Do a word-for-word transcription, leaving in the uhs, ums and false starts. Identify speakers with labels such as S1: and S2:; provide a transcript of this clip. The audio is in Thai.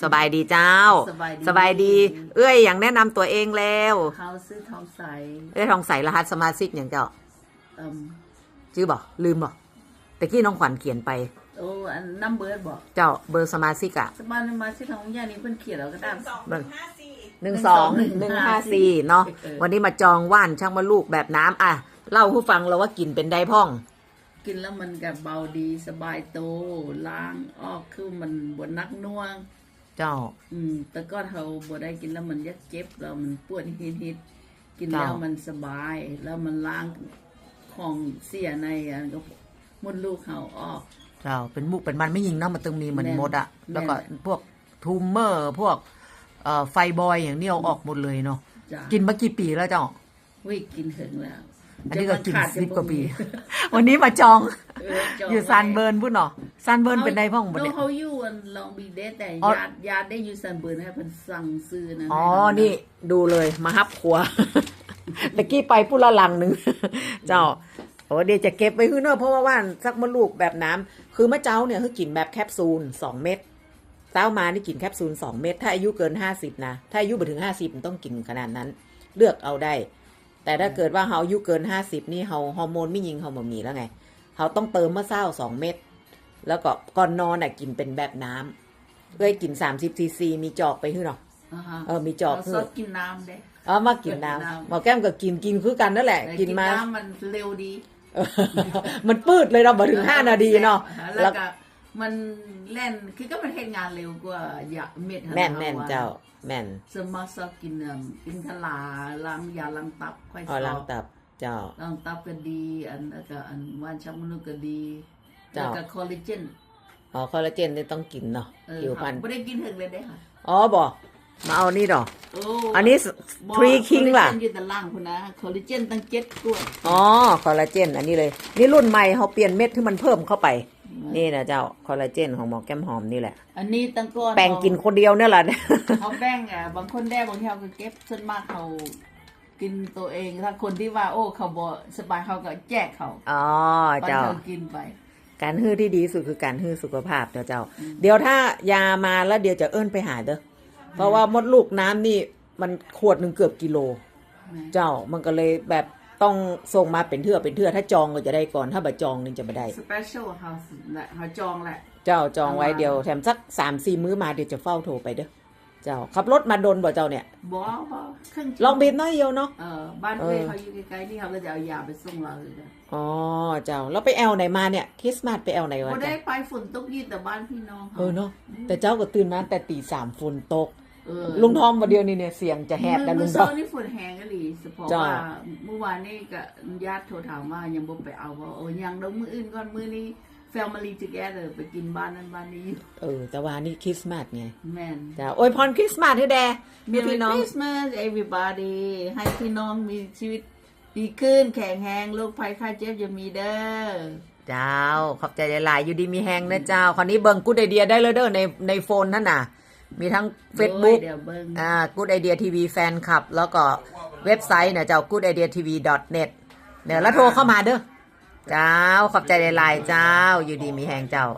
S1: สบายดีเจ้า
S2: สบายดี
S1: สบายดี เอ้ยอย่างแนะนำตัวเองแล้ว
S2: เขาซื้อทองใส
S1: เอ้ยทองใสรหัสสมาชิกอย่างเจ้า
S2: เอ่ม
S1: ชื่อบอกลืมบอกแต่กี้น้องขวัญเขียนไป
S2: โอ้อันน้ำเบิร์ดบอก
S1: เจ้าเบอร์สมาชิกอะ
S2: สบายมาซื้อทองย่านี้เพิ่นเขียนแล้วก็ได้
S1: หนึ่งสองหนึ่งห้าสี่เนาะวันนี้มาจองว่านช่างมาลูกแบบน้ำอ่ะเล่าผู้ฟังเราว่ากินเป็นได้พ่อง
S2: กินแล้วมันกับเบาดีสบายโตล้างออกคือมันบนนักน่วง
S1: เจ้า
S2: อืมแต่ก็เขาบ่ได้กินแล้วมันยักเจ็บแล้วมันปวดฮิดๆกินแล้วมันสบาย แล้วมันล้างของเสียในอันก็มดลูกเขาออก
S1: เจ้าเป็นมุกเป็นมันไม่ยิงเนาะมันตึงมีเหมือน
S2: แม่น
S1: มดอะ
S2: แม่น
S1: แล้วก็พวกทูมเมอร์พวกเอ่อไฟบอยอย่างนี้เอาออกหมดเลยเนาะ
S2: จ้ะ
S1: กินมากี่ปีแล้วเจ้า
S2: วิกินถึงแล้ว
S1: อันนี้ก็กิน
S2: จะมขด
S1: สิบกว่าปี
S2: จะบ่มี
S1: วันนี้มาจอง
S2: เออจอง
S1: อยู่ซานเบิร์นพูดเนาะซานเบิร์นเป็นได้พ่องบ่
S2: โด
S1: เนี่ย
S2: เขาอยู่อันลองบีเดสแต่
S1: อ๋อ
S2: ญาติญาติได้อยู่ซันเบิร์นให้เพิ่นสั่งซื้อนะ
S1: อ๋อ
S2: ให้เรา
S1: นี่ดูเลยมาฮับครัว ตะกี้ไปพูดละลังหนึ่ง เจ้าโอ้เดี๋ยวจะเก็บไว้คือเนอะเพราะว่าว่านสักมะลูกแบบน้ำคือมะเจ้าเนี่ยคือกินแบบแคปซูลสองเม็ดเต้ามานี่กินแคปซูลสองเม็ดถ้าอายุเกินห้าสิบนะถ้าอายุไปถึงห้าสิบมันต้องกินขนาดนั้น เลือกเอาได้ แต่ถ้าเกิดว่าเขาอายุเกินห้าสิบนี่เขาฮอร์โมนไม่ยิงเขาบ่มีแล้วไงเขาต้องเติมมะเศร้าสองเม็ดแล้วก็ก่อนนอนอ่ะกินเป็นแบบน้ำเคยกินสามสิบซีซีมีจอกไปคือเนาะ
S2: อ่าฮะ
S1: เออมีจอก
S2: เรา
S1: คื
S2: ส
S1: อ
S2: ดกินน้ำเด้
S1: เออมากินน้ำหมอแก้มก็กินกินคือกันนั่นแหละ
S2: แต่
S1: กินมา
S2: น้ำมันเร็วดี
S1: เออมันปืดเลยเราบ่ถึงห้านาทีเนาะ
S2: แล้วก็มันเล่นคือก็มันเฮ็ดงานเร็วกว่ายาเม็ดหั่
S1: แม่น
S2: นะ
S1: แม่น
S2: ว่
S1: เจ้าแม่น
S2: สมมาสอบกินเอิ่มอินทลาล้างยาล้างตับค่อย
S1: อ๋อ
S2: ส
S1: ล้า
S2: อง บ
S1: ตับเจ้า
S2: ล้างตับก็ดี อันแล้วก็อันว่านชักมนุษย์ก็ดี
S1: เจ้า
S2: แล้วก็คอลลาเจน
S1: อ๋อคอลลาเจนนี่ต้องกินเนาะ
S2: เออ
S1: ผิวพรรณ
S2: ไม่ได้กินถึงเลยได้ค่ะ
S1: อ๋อบ่มาเอานี่ดอก
S2: โอ้
S1: อันนี้ทรีคิงล่ะ
S2: คอลลาเจนอยู่แต่ล่างคุณนะคอลลาเจนตั้งเจ็ดกล้วย
S1: อ๋อคอลลาเจนอันนี้เลย นี่รุ่นใหม่เขาเปลี่ยนเม็ดที่มันเพิ่มเข้าไป นี่นะเจ้าคอลลาเจนของหมอแก้มหอมนี่แหละ
S2: อันนี้ตั้งก้อน
S1: แบ่งกินคนเดียวเนี่ยแหละ
S2: เขาแบ่งอ่ะบางคนได้บางทีเขาก็เก็บส่วนมากเขากินตัวเองถ้าคนที่ว่าโอ้เขาบ่สบายเขาก็แจกเขา
S1: อ๋อ
S2: ปัน
S1: เจ้า
S2: เขากินไป
S1: การฮื้อที่ดีที่สุดคือการฮื้อสุขภาพเจ้าเจ้า เดี๋ยวถ้ายามาแล้วเดี๋ยวจะเอิ้นไปหาเด้อ เพราะว่ามดลูกน้ำนี่มันขวดหนึ่งเกือบกิโล เจ้ามันก็เลยแบบต้องส่งมาเป็นเทื่อเป็นเทื่อถ้าจองก็จะได้ก่อนถ้าบ่จองนี่จะไม่ได้
S2: สเปเชียลเฮาส์แหละเขาจองแหละ
S1: เจ้าจองไว้เดียวแถมสักสามสี่มื้อมาเดี๋ยวจะเฝ้าโทรไปเด้อ เจ้าขับรถมาดนบ่เจ้าเนี่ย
S2: บ่บ่ครึ่ง
S1: ลองบีบน้อยเดียวเนาะ
S2: เออบ้านเอ้ยเขาอยู่ใกล้ๆนี่เขาก็จะเอายาไปส่งเราเลยนะ
S1: อ๋อเจ้าแล้วไปแอลไหนมาเนี่ยคริสต์มาสไปแอลไหนวะ
S2: บ่ได้
S1: เจ้า
S2: ไปฝนตกยี่แต่บ้านพี่น้อง
S1: เออเนาะแต่เจ้าก็ตื่นมาแต่ตีสามฝนตก
S2: เออ
S1: ลุงทอมวันเดียวนี่เนี่ยเสียงจะแหบแต่ลุ
S2: เมื่
S1: ง
S2: อ
S1: ทอ
S2: เช้าม นี่ฝนแห้งก็ดีเพราะ
S1: จ้ะ
S2: ว่าเมื่อวานนี่ก็ญาติโทรถามว่ายังบ่ไปเอาบ่โอ้ยังเดี๋ยวมื้ออื่นก่อนมื้อนี้ family together ไปกินบ้านนั้นบ้านนี้อยู่
S1: เออแต่ว่านี่คริสต์มาสไง
S2: แม่น
S1: จ้าอวยพรคริสต์มาสให้แดมี
S2: Merry
S1: พี่น้อง
S2: Christmas everybody ให้พี่น้องมีชีวิตดีขึ้นแข็งแรงโรคภัยไข้เจ็บอย่ามีเด้อ
S1: เจ้าขอบใจหลายๆอยู่ดีมีแฮงนะเจ้าคราวนี้เบิ่งกูดไอเดียได้เลยเด้อในในโฟนนั่นน่ะ มีทั้ง Facebook
S2: โอ้ยเดี๋ยวเบิ่ง
S1: อ่า Good Idea ที วี แฟนคลับ แล้วก็เว็บไซต์เนี่ยเจ้า กูดไอเดียทีวี ดอท เน็ต เนี่ยแล้วโทรเข้ามาเด้อ เจ้าขอบใจหลายๆเจ้า อยู่ดีมีแฮงเจ้า